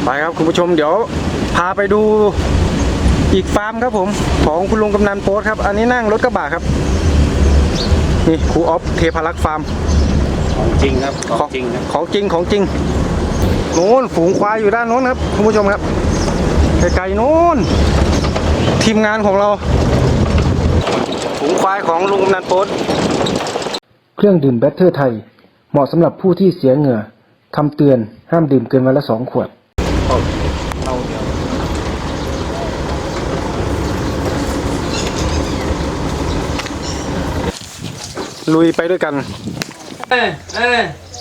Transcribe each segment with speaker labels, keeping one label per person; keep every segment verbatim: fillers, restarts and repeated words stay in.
Speaker 1: ไปครับคุณผู้ชมเดี๋ยวพาไปดูอีกฟาร์มครับผมของคุณลุงกำนันโป๊ตครับอันนี้นั่งรถกระบะครับนี่ครูออฟเทพารักษ์ฟาร์ม
Speaker 2: ของจริงครับของจริงครับ
Speaker 1: ของจริงของจริงโน้นฝูงควายอยู่ด้านโน้นครับคุณผู้ชมครับไกลๆโน้นทีมงานของเราฝูงควายของลุงกำนันโป๊ตเครื่องดื่มแบตเตอร์ไทยเหมาะสำหรับผู้ที่เสียเหงื่อคำเตือนห้ามดื่มเกินวันละสองขวดเอาเดียวลุยไปด้วยกันเอ้เอ้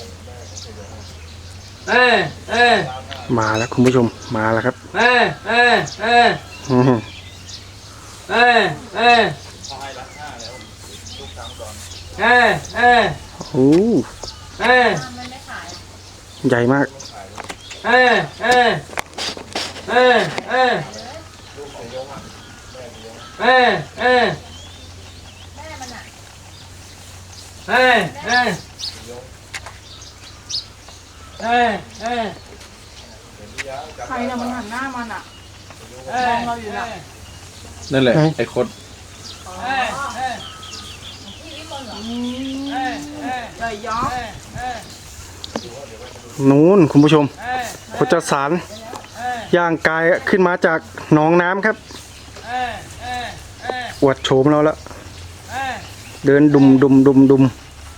Speaker 1: เอ้เอ้มาแล้วคุณผู้ชมมาแล้วครับเอ้เอ้เอ้เอ้เอ้เอ้เอ้โอ้เอ้ใหญ่มากเอ้เอ้เอ้เอ้เอ้เอ้เอ้เอ้เอ้เอ้
Speaker 3: ใครเนี่ยมันหันหน้ามันอ่ะมองเราอยู่น่ะ
Speaker 4: นั่นแหละไอ้คด
Speaker 3: เลยย้อม
Speaker 1: นู้นคุณผู้ชมโคจรสารย่างกายขึ้นมาจากหนองน้ำครับอวดโฉมเราแล้วเดินดุมดุมดุมดุม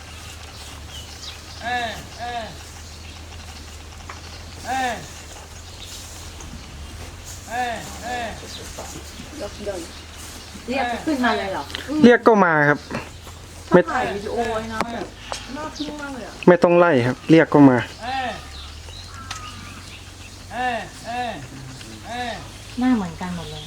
Speaker 3: เรียกขึ้นมาเลยเหรอ
Speaker 1: เรียกก็มาครับ
Speaker 3: ไม่ถ่ายวิดีโอไว้นะแบบน่าทึ่งมากเลยอ่ะ
Speaker 1: ไม่ต้องไล่ครับเรียกก็มา
Speaker 3: หน้าเหมือนกันหมดเลย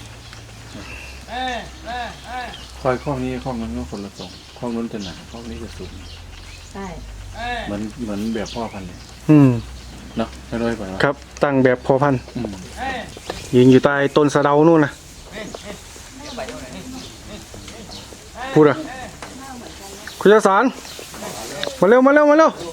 Speaker 4: คอยข้อนี้ข้อนั้นก็คนละทรงข้อนู้นจะหนาข้อนี้จะสูง
Speaker 3: ใช่
Speaker 4: เหมือนเหมือนแบบพ่อพันธุ์เลย
Speaker 1: อืม
Speaker 4: เนาะใช่ด้วยป่ะ
Speaker 1: ครับตั้งแบบพอพันธุ์ยืนอยู่ใต้ต้นสะเดานู่นนะพูดอะคุณยศสารมาเร็วมาเร็วมาเร็ว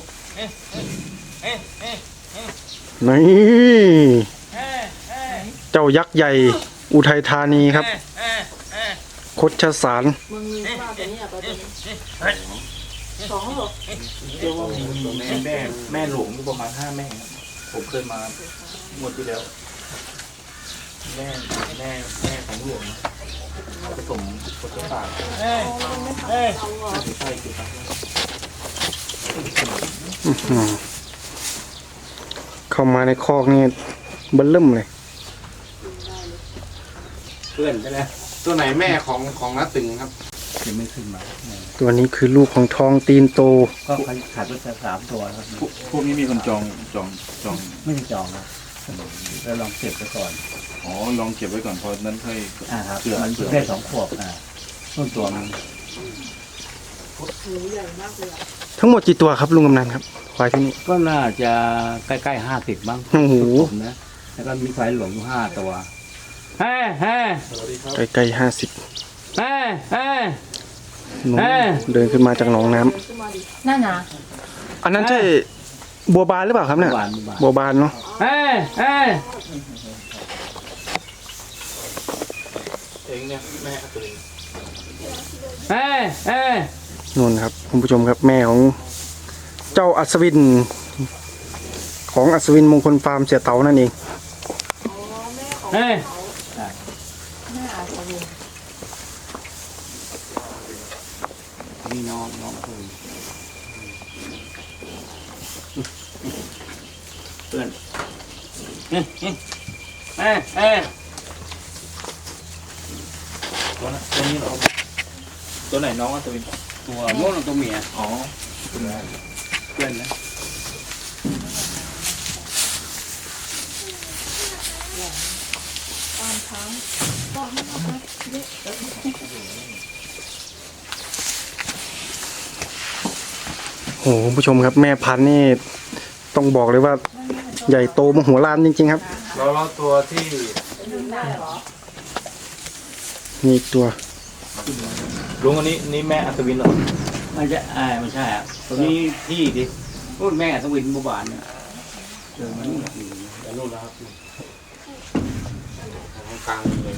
Speaker 1: นี่เจ้ายักษ์ใหญ่อุทัยธานีครับคดชสาร
Speaker 3: มึงมีว่าตัวนี้อ่ะตัวนี้สองหรอ
Speaker 4: เดี๋ยวว่าแม่แม่แม่หลวงประมาณห้าแม่ผมเคยมาหมดที่แล้วแม่แม่แม่ของหลวงผสมผสมปากเอ้ยเอ้ยใช่คือ
Speaker 1: เข้ามาในคอกนี่เบิ่มเริ่มเลย
Speaker 2: เพื่อนใช่ไหมตัวไหนแม่ของของน้าตึงครับ
Speaker 4: ยังไม่ขึ้นมา
Speaker 1: ตัวนี้คือลูกของทองตีนโต
Speaker 4: ก็ขาดไปสามตัวครับพวกนี้มีคนจองจองจองไม่ได้จองครับแล้วลองเก็บไว้ก่อนอ๋อลองเก็บไว้ก่อนพอนั้นค่อยอ่าครับเสือมันเสือได้สองขวบอ่าต้นตัวมัน
Speaker 1: ทั้งหมดกี่ตัวครับลุงกำนันครับควายที่นี่
Speaker 4: ก็น่าจะใกล้ๆห้าสิบบ้าง
Speaker 1: โอ้โห
Speaker 4: นะแล้วก็มีควายหลวงอยู่ห้าตัวเฮ้เฮ้
Speaker 1: ใกล้ๆห้าสิบ
Speaker 4: เฮ้เฮ้
Speaker 1: เดินขึ้นมาจากหนองน้ำ
Speaker 3: นั่นนะ
Speaker 1: อันนั้นใช่บัวบานหรือเปล่าครับเนี่ยบัวบานเนาะ
Speaker 4: เฮ้เฮ้
Speaker 2: เองเนี่ยแม่ตัวเอง
Speaker 4: เฮ้เฮ้
Speaker 1: นู่นครับคุณผู้ชมครับแม่ของเจ้าอัศวินของอัศวินมงคลฟาร์มเสียเต๋านั่นเอง
Speaker 4: เฮ้
Speaker 3: แม่อัศวิน
Speaker 4: นี่น้องน้องเพื่อนเพื่อนเฮ้เฮ้เฮ้เฮ้ตัวนั้นตัวนี้เหรอตัวไหนน้องอ่ะตัวตัวโน่นตัวเมียอ๋อเพื่อนเพื่อนนะ
Speaker 3: ตามช้างก็ไม่เอาไปเด็ก
Speaker 1: โอ้โหคุณผู้ชมครับแม่พันธุ์นี่ต้องบอกเลยว่าใหญ่โตมโหฬารจริงๆครับ
Speaker 2: เราเราตัวที่
Speaker 1: นี่ตัว
Speaker 4: ลุงอันนี้นี่แม่อัศวินเหรอไม่ใช่อ่าไม่ใช่อ่ะตัวนี้พี่ดิพูดแม่อัศวินบุบานเนี่ยเจอมันนู่นแล้วครับ
Speaker 2: กลางเลย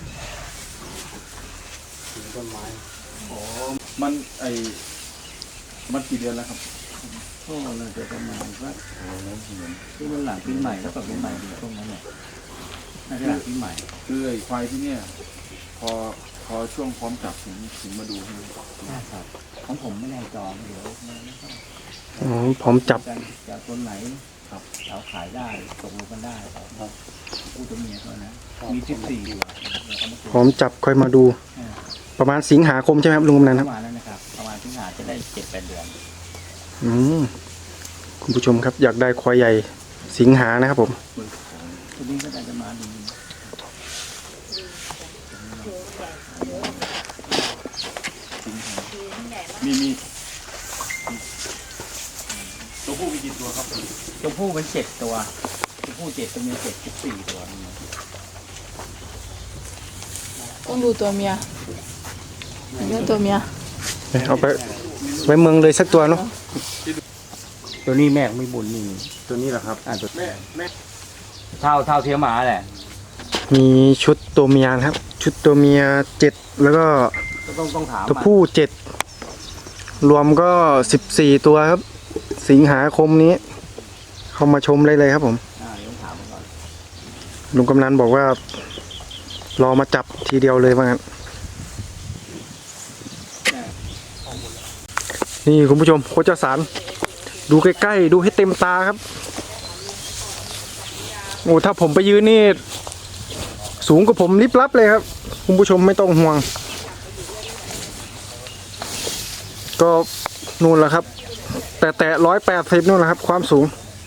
Speaker 2: ถึงต้นไม้
Speaker 4: อ๋อมันไอมันกี่เดือนแล้วครับก็น่าจะประมาณสักที่มันหลังปีใหม่แล้วกับปีใหม่ดีช่วงนั้นเนี่ยน่าจะหลังปีใหม่
Speaker 5: คือไอ้ควายที่เนี่ยพอพอช่วงพร้อมจับถึงถึงมาดูใช่ไหม
Speaker 4: ใช่ครับของผมไม่แน่จองเดี๋ยวไม่ต้อง
Speaker 1: อ๋อพร้อมจับ
Speaker 4: จะจะต้นไหนครับเราขายได้ตกลงกันได้ครับผู้ตัวเมียเท่านั้นมีสิบสี่ตัวแล้วก็มา
Speaker 1: พร้อมจับค่อยมาดู
Speaker 4: อ่า
Speaker 1: ประมาณสิงหาคมใช่ไหมครับลุงกำนันค
Speaker 4: ป
Speaker 1: รับ
Speaker 4: ระมาณนั้นนะครับประมาณที่หาจะได้เจ็ดแปดเดือน
Speaker 1: อืมคุณผู้ชมครับอยากได้ควายใหญ่สิงหานะครับผม
Speaker 4: ตัวนี้ก็ได้จะมาดีมีมีตัวผู้มีกี่ตัวครับตัวผู้เป็นเจ็ดตัวตัวผู้เจ็ดตัวเมียเจ็ดสิบสี่ตัว
Speaker 3: ต้องดูตัวเมียเลือกตัวเมีย
Speaker 1: เอาไปไว้เมืองเลยสักตัวเนาะ
Speaker 4: ตัวนี้แม่ไม่บุญนี่
Speaker 1: ตัวนี้แหละครับ
Speaker 4: อ่าตัว
Speaker 2: แม่แม่
Speaker 4: เท่าเท่าเทียมหมาแหละ
Speaker 1: มีชุดตัวเมียนะครับ ชุดตัวเมียเจ็ดแล้วก็
Speaker 4: ก็ต้องต้องถาม
Speaker 1: ตัวผู้เจ็ดรวมก็สิบสี่ตัวครับ สิงหาคมนี้ เข้ามาชมเลยเลยครับผม
Speaker 4: อ่าต้องถามก่อน
Speaker 1: ลุงกำนันบอกว่า รอมาจับทีเดียวเลยว่างั้นนี่คุณผู้ชมโคจรสารดูใกล้ๆดูให้เต็มตาครับโอ้ถ้าผมไปยืนนี่ สูงกว่าผมลิบลับเลยครับ คุณผู้ชมไม่ต้องห่วง ก็นู่นแหละครับ แต่แต่ร้อยแปดสิบนู่นแหละครับ ความสูง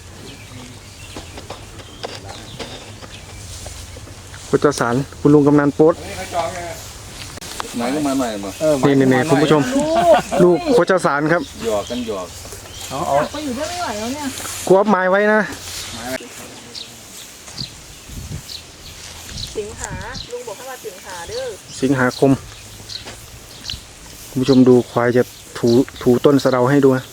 Speaker 1: โคจรสารคุณลุงกำนันโป๊ด
Speaker 5: ไหนก็มาใหม่มา
Speaker 1: นี่นี่นี่คุณผู้ชม ลูกโคจรสารครับ
Speaker 5: หยอกกันหยอก
Speaker 3: จับไปอยู่ได้ไม่ไหวแล้วเนี่ย
Speaker 1: กวบไม้ไว้นะ
Speaker 3: สิงหาลุงบอกให้มาสิงหาเด้อ
Speaker 1: สิงหาคม คุณผู้ชมดูควายจะถูถูต้นสะเดาให้ดูนะ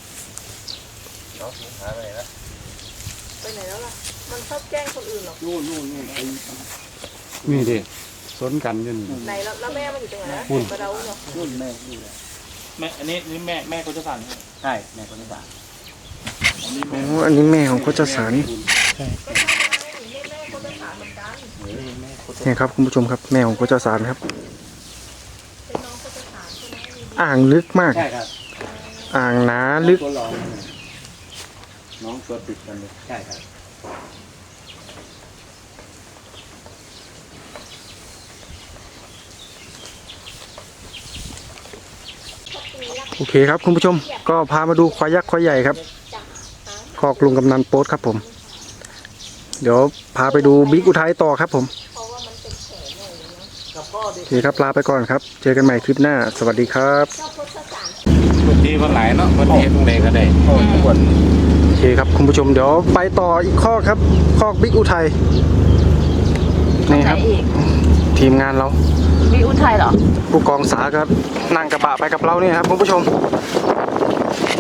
Speaker 3: ไปไหนแล้วล่ะมันชอบแกล้งคนอื่นหรอ
Speaker 4: นู่นนู่นนู่นไอ้
Speaker 2: นี่ดิสนกันอยู่นี่
Speaker 3: ไหนแล้วแล้วแม่มันอยู่ตรงไหนนะมาเดาเนาะ
Speaker 4: นู่นแม่นี่แหละแม่อันนี้นี่แม่แม่เขาจะสั่นใช่แม่เขาจะสั่น
Speaker 1: อ๋ออันนี้แม่ของโคจรสาร
Speaker 3: ก็ใช่ไงแม่คนจะถามเหมือนกัน
Speaker 1: เนี่ยครับคุณผู้ชมครับแม่ของโคจรสารครับ
Speaker 3: เป็นน้องคนจะถามใช่ไหม
Speaker 1: อ่างลึกมาก
Speaker 4: ใช่ครับ
Speaker 1: อ่างหนาลึก
Speaker 4: ตัวรอง
Speaker 5: น้องตัวติดกันเลย
Speaker 4: ใช่ครับ
Speaker 1: โอเคครับคุณผู้ชม ก็พามาดูควายยักษ์ควายใหญ่ครับคอกลุงกำนันโป๊ดครับผม เดี๋ยวพาไปดูบิ๊กอุทัยต่อครับผมโอเคครับลาไปก่อนครับ เจอกันใหม่คลิปหน้า สวัสดีครับ
Speaker 2: ดีมันหลายเนาะมันเห็นตรงไหนก็ได้
Speaker 1: โอเคครับคุณผู้ชมเดี๋ยวไปต่ออีกข้อครับคอกบิ๊กอุทัยนี่ครับ
Speaker 3: อีก
Speaker 1: ทีมงานเรา
Speaker 3: วิอุทัยเหรอ
Speaker 1: ผู้กองสาครับนั่งกระบะไปกับเราเนี่ยครับคุณผู้ชม